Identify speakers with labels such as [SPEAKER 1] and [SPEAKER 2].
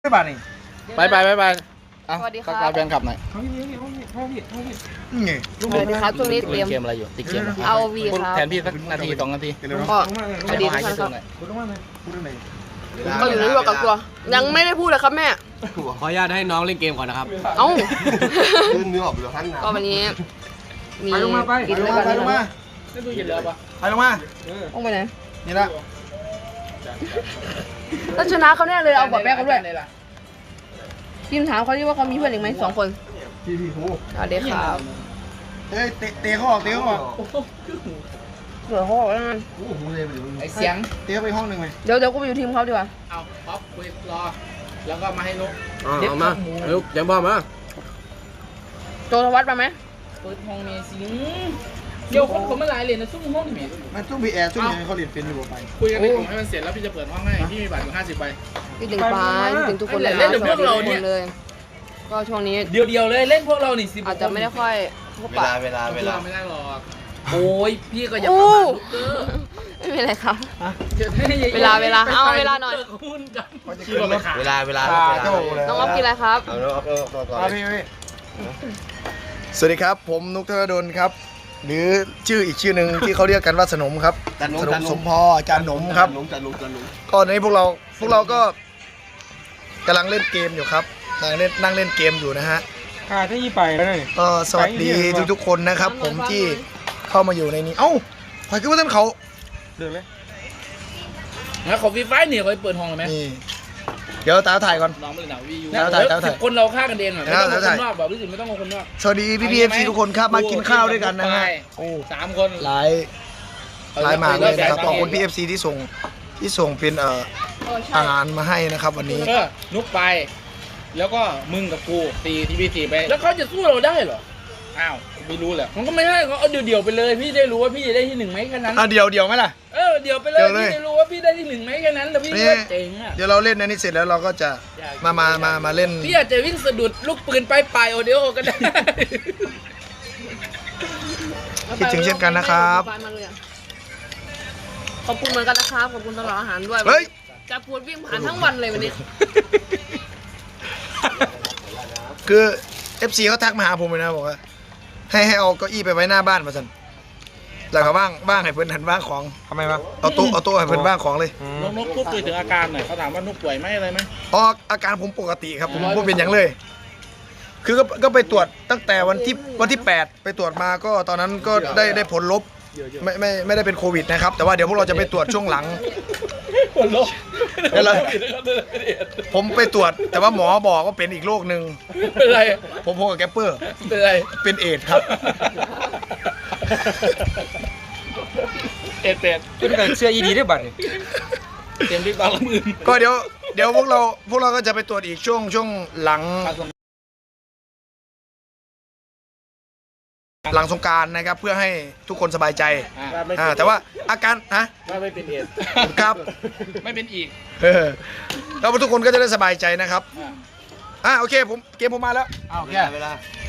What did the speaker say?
[SPEAKER 1] ไม่บาทนี่
[SPEAKER 2] ไป
[SPEAKER 3] สวัสดีครับ
[SPEAKER 2] ทักทายแฟนคลับหน่อย
[SPEAKER 1] ไง
[SPEAKER 3] สวัสดีครับช่วงนี้เตรี
[SPEAKER 2] เล่
[SPEAKER 3] ย
[SPEAKER 2] น
[SPEAKER 3] ม
[SPEAKER 2] เกมอะไรอยู่ติดเกม
[SPEAKER 3] เอาวีครับ
[SPEAKER 2] แทนพี่สักนาที2 นาที
[SPEAKER 3] ก็สวัสดีทุกท่านครับ
[SPEAKER 1] คุณต้องว่าไงพูดเรื่องไหน
[SPEAKER 3] ก็อยู่ในช่วงกักตัว ยังไม่ได้พูดเลยครับแม่
[SPEAKER 4] ขออนุญาตให้น้องเล่นเกมก่อนนะครับ
[SPEAKER 3] เอ้า
[SPEAKER 5] ลื่นเนื้อออกไปแล้วท่านนะ
[SPEAKER 3] ก็วันนี้มี
[SPEAKER 1] ไปลงมาไป
[SPEAKER 3] กิน
[SPEAKER 1] ล
[SPEAKER 3] ด้วย
[SPEAKER 1] ง
[SPEAKER 3] กั
[SPEAKER 1] มาน ไปลงมา
[SPEAKER 2] ได้ดูเย็นแล้วปะ
[SPEAKER 1] ไปลงมา
[SPEAKER 3] ต้องไปไหน
[SPEAKER 1] นี่ละ
[SPEAKER 3] ถ้าชนะเขาแน่เลยเอาบอดแป๊กเขาด้วยทีมถามเขาดิว่าเขามีเพื่อนอีกไหม2 คน
[SPEAKER 1] พี่โห
[SPEAKER 3] สวัสดีครับ
[SPEAKER 1] เฮ้ยเตะเขาออกเตะเขาออก
[SPEAKER 3] เผื่อเขาบอกว่างั้น
[SPEAKER 1] โอ้โหเลยไปดู
[SPEAKER 2] ไอเสียง
[SPEAKER 1] เตะไปห้องหนึ่งไหม
[SPEAKER 3] เดี๋ยวกูไปอยู่ทีมเขาดีกว่า
[SPEAKER 2] เอาป๊อปคุยรอแล้วก็มาให้นุ๊ก
[SPEAKER 4] เอามาลูกยังพ่อมา
[SPEAKER 3] โจทวัฒน์มาไหม
[SPEAKER 2] เปิดห้องเมสิงเดี๋ยวคนมาหลายเลยนะซุ่มห้องนี่
[SPEAKER 1] มันต้องมีแอร์ช่วงนี้เขาเรียนเป็นอยู่ไป
[SPEAKER 2] คุยกันในกลุ่มให้มันเสร็จแล้วพี่จะเปิดห้องให้พี่มีบัตรอยู่50 ใบ
[SPEAKER 3] พี่ถึงฟ้าพี่ถึงทุกคนเลย
[SPEAKER 2] เล่นกับพวกเราเนี่ย
[SPEAKER 3] เลย ก็ช่วงนี้
[SPEAKER 6] เดียวเลยเล่นพวกเรานี่10
[SPEAKER 3] อาจจะไม่ได้ค่อยพบ
[SPEAKER 5] เว
[SPEAKER 3] ปะ
[SPEAKER 5] ลา
[SPEAKER 2] ไม่ได้หรอก
[SPEAKER 6] โอ้ยพี่ก็อย่า
[SPEAKER 3] โอ้
[SPEAKER 6] ประมาทลูกเด้อ
[SPEAKER 3] ไม่เป็นไรครับ เวลาเอาเวลาหน่อย
[SPEAKER 6] หุ้นกัน
[SPEAKER 1] เขาจะขึ้นรถ
[SPEAKER 5] เวลา
[SPEAKER 1] เจ้าเลย
[SPEAKER 3] น้องอ๊อฟกินอะไรครับ
[SPEAKER 5] เอาแล้วเอาก่อน
[SPEAKER 1] พี่สวัสดีครับผมนุกธนดลครับ หรือชื่ออีกชื่อหนึ่งที่เขาเรียกกันว่าสนมครับสนมสมพออาจารย์หนมครับ
[SPEAKER 5] จันหนม
[SPEAKER 1] ก็ในพวกเราก็กำลังเล่นเกมอยู่ครับนั่งเล่นเกมอยู่นะฮะ
[SPEAKER 7] ขาดที่ยี่ไปแล้วนี่
[SPEAKER 1] ก็สวัสดีทุกๆคนนะครับ ผมที่เข้ามาอยู่ในนี้เอ้าใครคิดว่าท่านเขา
[SPEAKER 7] เดือดเลย
[SPEAKER 6] นะขอฟรีไฟเนี่ยเขาเปิดห้องเลยไหม
[SPEAKER 1] นี่เดี๋ยวตาถ่ายก่อน
[SPEAKER 2] น้องไม่ได้หนาววีอยู่
[SPEAKER 1] แล้วถ่าย
[SPEAKER 6] 10 คนเราฆ่ากันเองอ่ะไม่ต้อง
[SPEAKER 1] แล้
[SPEAKER 6] เอา
[SPEAKER 1] ว
[SPEAKER 6] ค
[SPEAKER 1] ถ่าย
[SPEAKER 6] นนอกแบบรู้สึกไม่ต้องเอาคนนอก
[SPEAKER 1] สวัสดีพี่เอฟซีทุกคนครับมากินข้าวด้วยกันนะฮะโอ้
[SPEAKER 2] 3 คน
[SPEAKER 1] หลายมากเลยนะครับขอบคุณพี่เอฟซีที่ส่งเป็นอาหารมาให้นะครับวันนี้
[SPEAKER 2] นุ๊กไป แล้วก็มึงกับกูตีทีวี4ไป
[SPEAKER 6] แล้วเขาจะสู้เราได้เหรอ
[SPEAKER 2] อ้าวไม่รู้แหละ
[SPEAKER 6] มันก็ไม่ได้เขาเอาเดี่ยวๆไปเลย พี่ได้รู้ว่าพี่จะได้ที่ 1ไหมแค่นั้น
[SPEAKER 1] เดี๋ยวไหมล่ะ
[SPEAKER 6] เดี่ยวไปเลย
[SPEAKER 1] เดี่ยวเลย
[SPEAKER 6] พี่ได้รู้ว่าพี่ได้ที่ 1ไหมแค่นั้นแล้วพี่
[SPEAKER 1] นี่
[SPEAKER 6] ก็เจ๋งอ่ะ
[SPEAKER 1] เดี๋ยวเราเล่นอันนี้เสร็จแล้วเราก็จะมาเล่น
[SPEAKER 6] พี่อาจจะวิ่งสะดุดลูกปืนปลายโอเดียวก็ได้
[SPEAKER 1] คิดถึงเช่นกันนะครับ
[SPEAKER 3] ขอบคุณเหมือนกันนะครับขอบคุณตลอดอาหารด้วย
[SPEAKER 1] เฮ้ย
[SPEAKER 3] จะพูดวิ่งผ่านทั้งวันเลยวันนี้
[SPEAKER 1] คือ FC เขาทักมาหาผมเลยนะบอกว่าให้เอาเก้าอี้ไปไว้หน้าบ้านมาสันแล้วก็บ้างให้เพื่อนหันบ้างของ
[SPEAKER 7] ทำไมวะ
[SPEAKER 1] เอาโต๊ะให้เพื่อนบ้างของเลย
[SPEAKER 2] นุ๊กพูดคุยถึงอาการหน่อยเขาถามว่านุ๊กป่วยไหมอะไรไหม
[SPEAKER 1] อ๋ออาการผมปกติครับผมไม่เป็นอย่างเลย คือก็ไปตรวจตั้งแต่วันที่8ไปตรวจมาก็ตอนนั้นก็ได้ผลลบไม่ได้เป็นโควิดนะครับ แต่ว่าเดี๋ยวพวกเราจะไปตรวจช่วงหลัง
[SPEAKER 2] คนลบ
[SPEAKER 1] เดี๋ยวเราผมไปตรวจแต่ว่าหมอบอกว่าเป็นอีกโรคหนึ่ง
[SPEAKER 6] เป็นไร
[SPEAKER 1] ผมพบกับแกปเปอร์
[SPEAKER 6] เป็นไร
[SPEAKER 1] เป็นเอดส์ครับ
[SPEAKER 2] เป็ด
[SPEAKER 7] เป็นกับเสื้อยีดีด้วยบัตรนี่
[SPEAKER 2] เต็มที่ตอนละมือ
[SPEAKER 1] ก็เดี๋ยวพวกเราก็จะไปตรวจอีกช่วงหลังสงกรานต์นะครับเพื่อให้ทุกคนสบายใจแต่ว่าอาการนะ
[SPEAKER 2] ว่าไม่เป็นเอด
[SPEAKER 1] ครับ
[SPEAKER 2] ไม่เป็นอีก
[SPEAKER 1] แล้วทุกคนก็จะได้สบายใจนะครับโอเคเกมผมมาแล้ว
[SPEAKER 5] เวลา